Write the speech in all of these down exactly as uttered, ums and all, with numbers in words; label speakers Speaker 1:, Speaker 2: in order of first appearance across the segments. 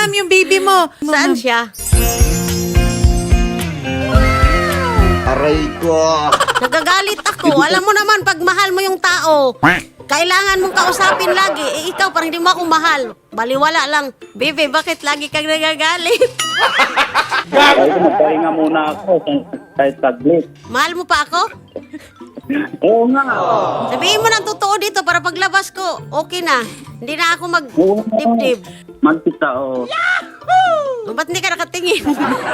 Speaker 1: ma'am, yung baby mo.
Speaker 2: Saan siya?
Speaker 3: Aray ko.
Speaker 2: Nagagalit ako. Alam mo naman, pag mahal mo yung tao, kailangan mong kausapin lagi. Eh, ikaw, parang hindi mo ako mahal. Baliwala lang. Bebe, bakit lagi kang nagagalit?
Speaker 4: Ay, magpahinga muna ako kahit saglit.
Speaker 2: Mahal mo pa ako?
Speaker 4: Oo nga.
Speaker 2: Sabihin mo ng totoo dito para paglabas ko, okay na. Hindi na ako
Speaker 4: Oo nga.
Speaker 2: mag-dip-dip.
Speaker 4: Magkita, oo.
Speaker 2: O, ba't hindi ka nakatingin?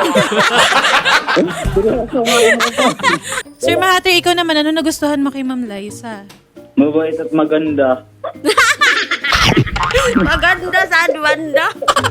Speaker 4: Seryoso nga yun ako.
Speaker 1: Sir Mahater, ikaw naman, ano nagustuhan mo kay Ma'am Liza?
Speaker 4: Mabait at maganda.
Speaker 2: Maganda sa banda.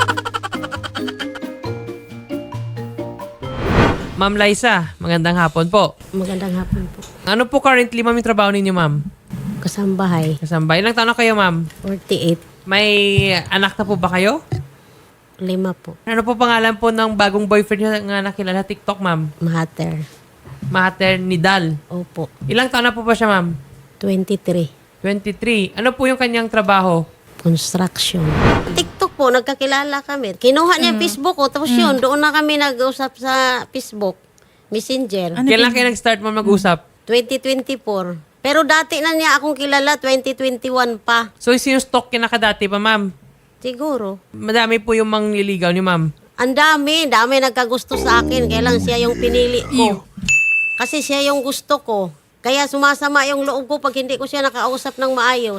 Speaker 5: Ma'am Liza, magandang hapon po.
Speaker 2: Magandang hapon po.
Speaker 5: Ano po currently, ma'am, yung trabaho ninyo, ma'am?
Speaker 2: Kasambahay,
Speaker 5: Kasambay. Ilang taon na kayo, ma'am?
Speaker 2: forty-eight.
Speaker 5: May anak na po ba kayo?
Speaker 2: Lima po.
Speaker 5: Ano po pangalan po ng bagong boyfriend niyo nga nakilala TikTok, ma'am?
Speaker 2: Mahater.
Speaker 5: Mahater Nidal.
Speaker 2: Opo.
Speaker 5: Ilang taon na po ba siya, ma'am?
Speaker 2: twenty-three.
Speaker 5: twenty-three. Ano po yung kanyang trabaho?
Speaker 2: Construction. TikTok po, nagkakilala kami. Kinuha niya yung Facebook ko, tapos yun, doon na kami nag-usap sa Facebook. Messenger.
Speaker 1: Ano
Speaker 5: Kailan
Speaker 1: din-
Speaker 5: kayo nag-start, ma'am, mag-usap?
Speaker 2: twenty twenty-four. Pero dati na niya akong kilala, twenty twenty-one pa.
Speaker 5: So, sinustalk ka na kadati pa, ma'am?
Speaker 2: Siguro.
Speaker 5: Madami po yung mangliligaw ni ma'am.
Speaker 2: Ang dami, dami nagkagusto sa akin. Kaya lang siya yung pinili ko. Kasi siya yung gusto ko. Kaya sumasama yung loob ko pag hindi ko siya nakausap ng maayos.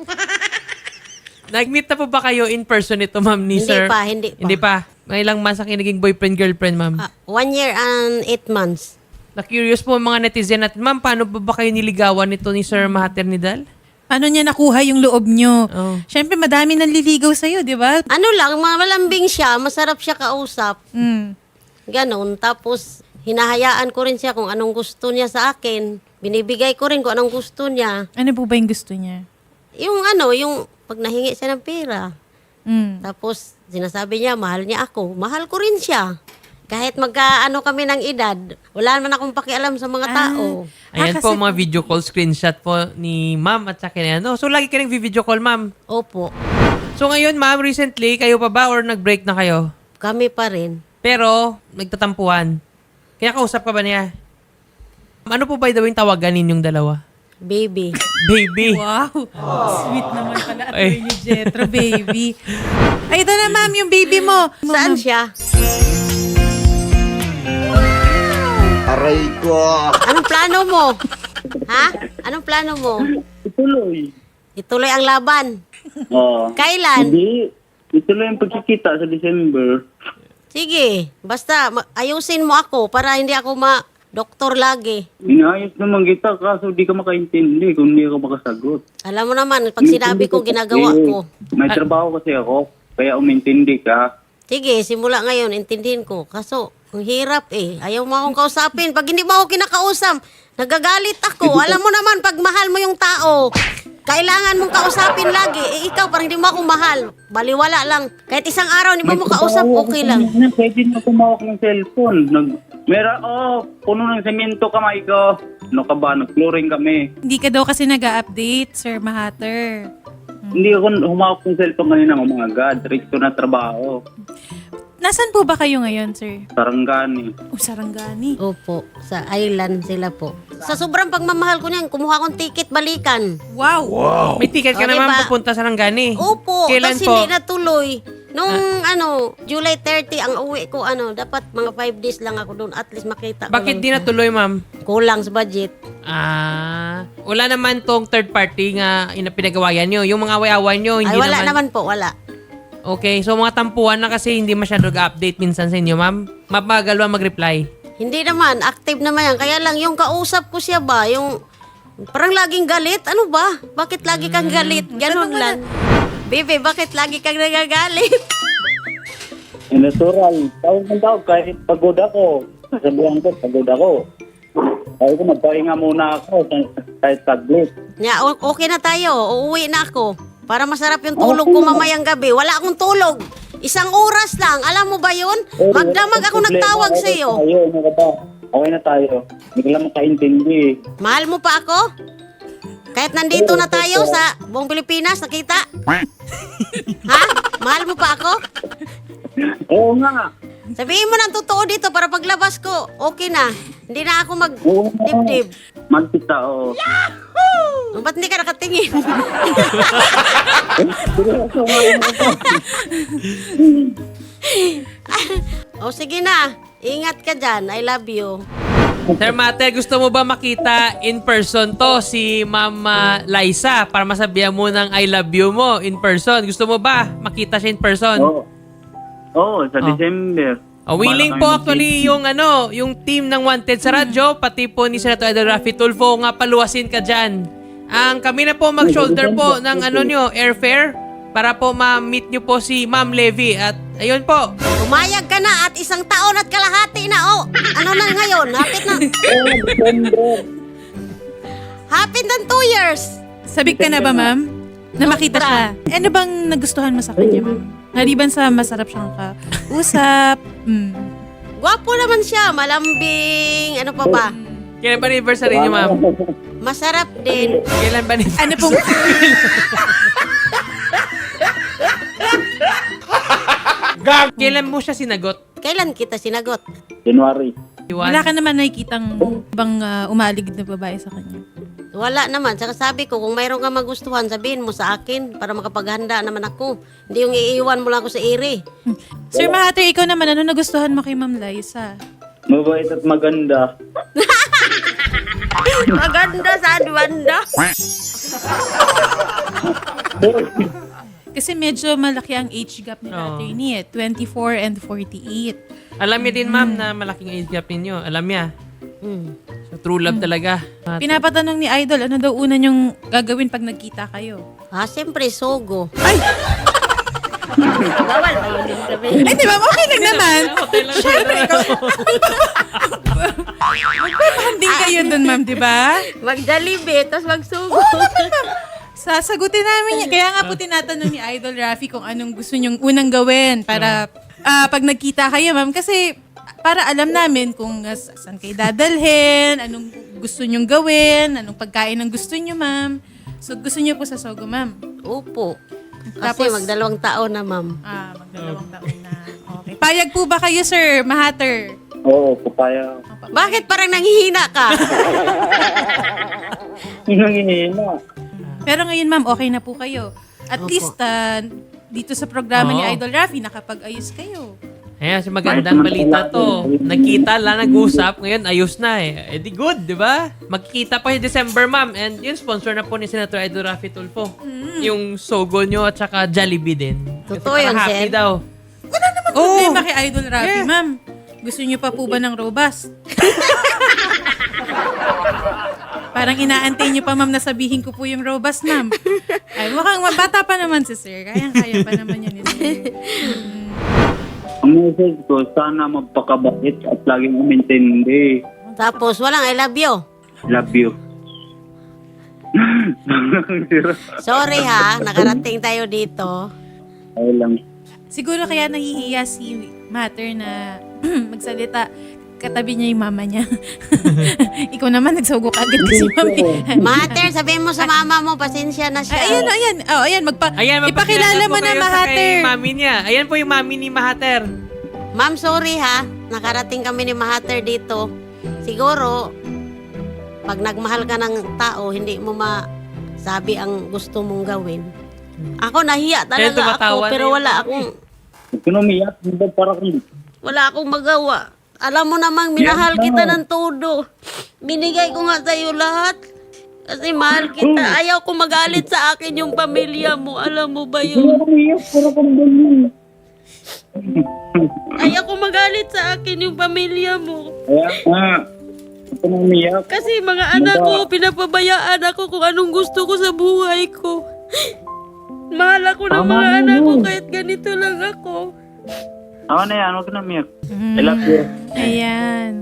Speaker 5: Nag-meet na po ba kayo in person ito, ma'am, ni
Speaker 2: Hindi
Speaker 5: sir?
Speaker 2: pa, hindi pa.
Speaker 5: Hindi pa. Mga ilang months ang naging boyfriend-girlfriend, ma'am?
Speaker 2: Ah, one year and eight months.
Speaker 5: Na-curious po ang mga netizen natin. Ma'am, paano ba ba kayo niligawan nito ni Sir Mahater Nidal?
Speaker 1: Paano niya nakuha yung loob niyo?
Speaker 5: Oh.
Speaker 1: Siyempre, madami nang liligaw sa'yo, di ba?
Speaker 2: Ano lang, malambing siya, masarap siya kausap.
Speaker 1: Mm.
Speaker 2: Ganon. Tapos, hinahayaan ko rin siya kung anong gusto niya sa akin. Binibigay ko rin kung anong gusto niya.
Speaker 1: Ano po ba yung gusto niya?
Speaker 2: Yung ano, yung pag nahingi siya ng pera.
Speaker 1: Mm.
Speaker 2: Tapos, sinasabi niya, mahal niya ako. Mahal ko rin siya. Kahit magkaano kami ng edad, wala naman akong pakialam sa mga tao.
Speaker 5: Ayan
Speaker 1: Ah,
Speaker 5: po
Speaker 1: kasi-
Speaker 5: mga video call screenshot po ni ma'am at saka ni ano. So, lagi ka nang video call, ma'am.
Speaker 2: Opo,
Speaker 5: So, ngayon, ma'am, recently, kayo pa ba or nag-break na kayo?
Speaker 2: kami pa rin.
Speaker 5: Pero, nagtatampuhan. Kaya kausap ka ba niya? Ano po by the way yung tawagan ninyong dalawa?
Speaker 2: Baby.
Speaker 5: Baby.
Speaker 1: Wow. Sweet naman pala at
Speaker 5: Ay.
Speaker 1: ni Jetro, baby. Ay, ito na, ma'am, yung baby mo.
Speaker 2: Saan siya?
Speaker 3: Aray ko.
Speaker 2: Anong plano mo? Ha? Anong plano mo?
Speaker 4: Ituloy.
Speaker 2: Ituloy ang laban.
Speaker 4: Oo.
Speaker 2: Kailan?
Speaker 4: Hindi. Ituloy ang pagkikita sa December.
Speaker 2: Sige, basta ma- ayusin mo ako para hindi ako ma-doktor lagi.
Speaker 4: Inayos naman kita kaso di ka makaintindi kung hindi ako makasagot.
Speaker 2: Alam mo naman, pag sinabi ko, ginagawa
Speaker 4: Eh,
Speaker 2: ko.
Speaker 4: May trabaho kasi ako, kaya umintindi ka.
Speaker 2: Sige, simula ngayon, intindihin ko. Kaso, ang hirap eh. Ayaw mo akong kausapin. Pag hindi mo ako kinakausap, nagagalit ako. Alam mo naman, pag mahal mo yung tao, kailangan mong kausapin lagi. Eh, ikaw, parang hindi mo ako mahal. Baliwala lang. Kahit isang araw, hindi mo mo kausap, okay lang.
Speaker 4: Na, pwede na tumawak ng cellphone. Nag, mera, oh, puno ng semento kamay ko. Ano ka ba? Nag-flooring kami.
Speaker 1: Hindi ka daw kasi nag-update, Sir Mahater.
Speaker 4: Hindi ako humawak ng cellphone kanina, mga God. Rekto na trabaho.
Speaker 1: Nasaan po ba kayo ngayon, sir?
Speaker 4: Sarangani.
Speaker 1: O, Sarangani.
Speaker 2: Opo, sa island sila po. Sa sobrang pagmamahal ko niyan, kumuha akong ticket balikan.
Speaker 1: Wow.
Speaker 5: May ticket ka
Speaker 2: O,
Speaker 5: naman
Speaker 2: diba?
Speaker 5: pupunta sa Langani.
Speaker 2: Opo,
Speaker 5: Kailan
Speaker 2: tapos
Speaker 5: po?
Speaker 2: hindi natuloy. Nung ano, July thirty, ang uwi ko, ano, dapat mga five days lang ako doon. At least makita ko
Speaker 5: Bakit
Speaker 2: lang
Speaker 5: di
Speaker 2: siya.
Speaker 5: natuloy, ma'am?
Speaker 2: Kulang sa budget.
Speaker 5: Ah, wala naman tong third party nga ina pinagawayan nyo. Yung mga away-awan nyo, hindi
Speaker 2: Ay, wala
Speaker 5: naman.
Speaker 2: naman po, wala.
Speaker 5: Okay, so mga tampuhan na kasi hindi masyado nag-update minsan sa inyo, ma'am. Mabagal ba mag-reply?
Speaker 2: Hindi naman, active naman yan. Kaya lang, yung kausap ko siya ba, yung parang laging galit. Ano ba? Bakit lagi kang galit? Ganon lang. Bebe, bakit lagi kang nagagalit?
Speaker 4: Eh, natural. Tawag ng tawag kahit pagod ako. Sabihan ko, pagod ako. Sabi ko, magpahinga muna ako kahit saglit.
Speaker 2: Ya, o- okay na tayo. Uuwi na ako. Para masarap yung tulog ko mamayang gabi. Wala akong tulog. Isang oras lang. Alam mo ba yun?
Speaker 4: Eh,
Speaker 2: Magdamag
Speaker 4: wala
Speaker 2: ako
Speaker 4: akong
Speaker 2: nagtawag
Speaker 4: problema.
Speaker 2: sa iyo.
Speaker 4: Okay na tayo, ano ka ba? Okay na tayo. Hindi ko lang makaintindi.
Speaker 2: Mahal mo pa ako? Kahit nandito na tayo sa buong Pilipinas, nakita? Ha? Mahal mo pa ako?
Speaker 4: Oo nga.
Speaker 2: Sabihin mo ng totoo dito para paglabas ko, okay na. Hindi na ako
Speaker 4: Oo nga.
Speaker 2: mag-dibdib.
Speaker 4: Magkita, oo.
Speaker 2: Ba't hindi ka nakatingin?
Speaker 4: Seryoso nga yun ako.
Speaker 2: O sige na, ingat ka dyan. I love you.
Speaker 5: Sir Mater, gusto mo ba makita in person to si Mama Liza para masabihan mo ng I love you mo in person? Gusto mo ba makita siya in person?
Speaker 4: Oo. Oo, sa
Speaker 5: Oh.
Speaker 4: December.
Speaker 5: Oh, willing
Speaker 4: Bala
Speaker 5: po
Speaker 4: kami
Speaker 5: actually yung ano, yung team ng Wanted sa radyo, pati po ni Senator Idol Rafi Tulfo nga paluwasin ka dyan. Ang kami na po mag-shoulder po ng ano nyo, airfare para po ma-meet nyo po si Ma'am Levy at ayun po.
Speaker 2: Umayag ka na at isang taon at kalahati na. O, ano na ngayon? Hapit na.
Speaker 4: Oo, December.
Speaker 2: Hapit ng two years.
Speaker 1: Sabik ka na ba, ma'am? Na makita siya. Eh, ano bang nagustuhan mo sa kanya, ma'am? Ngaliban sa masarap siyang kausap. Mm.
Speaker 2: Gwapo naman siya. Malambing. Ano pa ba?
Speaker 5: Kailan ba anniversary nyo, Ma'am?
Speaker 2: Masarap din.
Speaker 5: Kailan ba anniversary?
Speaker 1: Ano pong...
Speaker 5: Kailan mo siya sinagot?
Speaker 2: Kailan kita sinagot?
Speaker 4: January.
Speaker 1: Wala ka naman nakikitang ibang uh, umalig na babae sa kanya.
Speaker 2: Wala naman. Saka sabi ko, kung mayroon ka magustuhan, sabihin mo sa akin para makapaghanda naman ako. Hindi yung iiwan mo lang ako sa iri.
Speaker 1: Sir Mahater, ikaw naman, ano nagustuhan mo kay Ma'am Liza?
Speaker 4: Mabait at maganda.
Speaker 2: Maganda sa adwanda.
Speaker 1: Kasi medyo malaki ang age gap ni
Speaker 5: Oo.
Speaker 1: attorney eh. twenty-four and forty-eight.
Speaker 5: Alam niya din, Ma'am, na malaking age gap ninyo. Alam niya.
Speaker 2: Hmm.
Speaker 5: So, true love talaga. At
Speaker 1: Pinapatanong ni Idol, ano daw una niyong gagawin pag nagkita kayo?
Speaker 2: Ah, siyempre, sogo.
Speaker 1: Ay!
Speaker 2: Bawal ba yun yung sabihin?
Speaker 1: Ay, di ba? Okay lang naman.
Speaker 5: hotel lang
Speaker 1: Siyempre, ikaw. Magpapahanding kayo dun, ma'am, di ba?
Speaker 2: Mag-Jollibee, tapos mag-sugo.
Speaker 1: Sasagutin namin yan. Kaya nga po tinatanong ni Idol Rafi kung anong gusto niyong unang gawin para ah, pag nagkita kayo, ma'am. Kasi para alam namin kung uh, saan kayo dadalhin, anong gusto niyong gawin, anong pagkain ang gusto niyo, ma'am. So, gusto niyo po sa Sogo, ma'am.
Speaker 2: Opo. Kasi
Speaker 1: Tapos-
Speaker 2: magdalawang taon na, ma'am.
Speaker 1: Ah, magdalawang taon na. Okay. Payag po ba kayo, sir? Mahater?
Speaker 4: Oo, papaya.
Speaker 2: Bakit parang nanghihina ka?
Speaker 4: Nangihina.
Speaker 1: Pero ngayon, ma'am, okay na po kayo. At
Speaker 2: Opo.
Speaker 1: least, ah, dito sa programa ni
Speaker 5: Oo.
Speaker 1: Idol Rafi, nakapag-ayos kayo.
Speaker 5: Ayan, si magandang balita to. Nagkita lang, nag-usap. Ngayon, ayos na eh. Eh di good, di ba? Magkikita pa yung December, ma'am. And yun, sponsor na po ni Senator Idol Rafi Tulfo. Yung Sogo nyo at saka Jollibee din. Kasi
Speaker 2: Totoo
Speaker 5: para
Speaker 2: yun,
Speaker 5: happy
Speaker 2: sir.
Speaker 5: daw.
Speaker 1: Problema kay Idol Rafi,
Speaker 5: Yeah.
Speaker 1: ma'am. Gusto niyo pa po ba ng robust? Parang inaantay niyo pa, ma'am, na sabihin ko po yung robust, ma'am. Ay, mukhang bata pa naman si sir. Kaya-kaya pa naman yun, eh, sir.
Speaker 4: Ang message ko, sana magpakabait at laging umintindi.
Speaker 2: Tapos, walang I love you.
Speaker 4: Love you.
Speaker 2: Sorry ha, nakarating tayo dito.
Speaker 4: Ay lang.
Speaker 1: Siguro kaya nahihiya si Mater na magsalita. Katabi niya yung mama niya. Ikaw naman, nagsugok agad kasi, mami.
Speaker 2: Mater, sabihin mo sa mama mo, pasensya na siya.
Speaker 1: Ay, ayan, ayan. Oh, ayan, magpa
Speaker 5: Ayan,
Speaker 1: ipakilala mo
Speaker 5: po
Speaker 1: na,
Speaker 5: kayo sa
Speaker 1: Mahater.
Speaker 5: kay mami niya. Ayan po yung mami ni Mahater.
Speaker 2: Ma'am, sorry ha. Nakarating kami ni Mahater dito. Siguro, pag nagmahal ka ng tao, hindi mo masabi ang gusto mong gawin. Ako, nahiya
Speaker 5: Kaya
Speaker 2: talaga
Speaker 5: tumatawa
Speaker 2: ako,
Speaker 5: na
Speaker 2: pero
Speaker 5: yun.
Speaker 2: wala akong,
Speaker 4: Kinumiyak, hindi para kung
Speaker 2: wala akong magawa. Alam mo namang, minahal
Speaker 4: Yes,
Speaker 2: kita
Speaker 4: ma'am.
Speaker 2: ng todo. Binigay ko nga sa'yo lahat. Kasi mahal kita. Ayaw ko magalit sa akin yung pamilya mo. Alam mo ba yun?
Speaker 4: Kinumiyak, para kung ganyan.
Speaker 2: Ayaw ko magalit sa akin yung pamilya mo.
Speaker 4: Kaya nga, kinumiyak.
Speaker 2: Kasi mga anak ko, pinapabayaan ako kung anong gusto ko sa buhay ko. Mahal ako ng
Speaker 4: Tama
Speaker 2: mga
Speaker 4: na
Speaker 2: anak ko
Speaker 4: yun.
Speaker 2: kahit ganito lang ako.
Speaker 4: Ako na yan, huwag ka na umiyak.
Speaker 1: Mm.
Speaker 4: I love you.
Speaker 1: Ayan.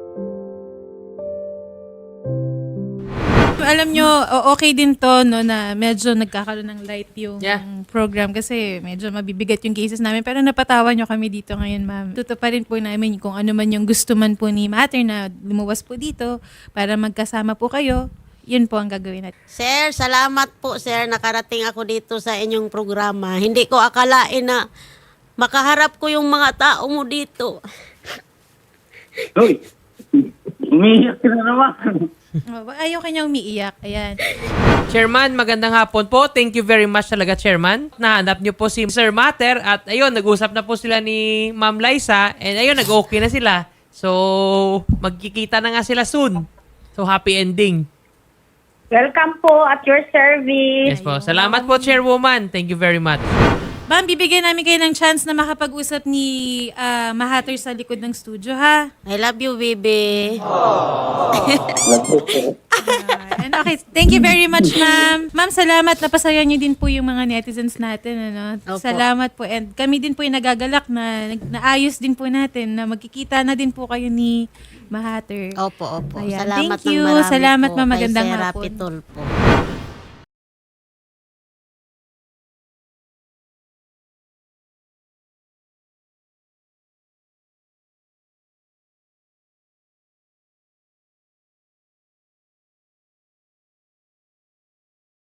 Speaker 1: Alam nyo, o- okay din to, no, na medyo nagkakaroon ng light yung
Speaker 5: Yeah.
Speaker 1: program kasi medyo mabibigat yung cases namin. Pero napatawa nyo kami dito ngayon, ma'am. Tutuparin po namin kung ano man yung gusto man po ni Mater na lumuwas po dito para magkasama po kayo. Yun po ang gagawin natin.
Speaker 2: Sir, salamat po, sir. Nakarating ako dito sa inyong programa. Hindi ko akalain na makaharap ko yung mga tao mo dito.
Speaker 4: Uy, umiiyak ka na naman.
Speaker 1: Oh, ayaw kanya umiiyak. Ayan.
Speaker 5: Chairman, magandang hapon po. Thank you very much talaga, Chairman. Nahanap niyo po si Sir Mater at ayun, nag-usap na po sila ni Ma'am Liza and ayun, nag-okay na sila. So, magkikita na nga sila soon. So, happy ending.
Speaker 6: Welcome po at your service.
Speaker 5: Yes po. Salamat po, Chairwoman. Thank you very much.
Speaker 1: Ma'am, bibigyan namin kayo ng chance na makapag-usap ni ah, Mahater sa likod ng studio, ha?
Speaker 2: I love you, baby.
Speaker 1: Ayan, okay, thank you very much, ma'am. Ma'am, salamat. Napasaya niyo din po yung mga netizens natin. Ano?
Speaker 2: Opo.
Speaker 1: Salamat po. And kami din po yung nagagalak na nag- naayos din po natin na magkikita na din po kayo ni Mahater.
Speaker 2: Opo, opo.
Speaker 1: Ayan.
Speaker 2: Salamat
Speaker 1: Thank you.
Speaker 2: ng marami
Speaker 1: Salamat,
Speaker 2: po
Speaker 1: ma'am.
Speaker 2: kay
Speaker 1: Magandang
Speaker 2: Sir
Speaker 1: hapon.
Speaker 2: Rapi Tulfo.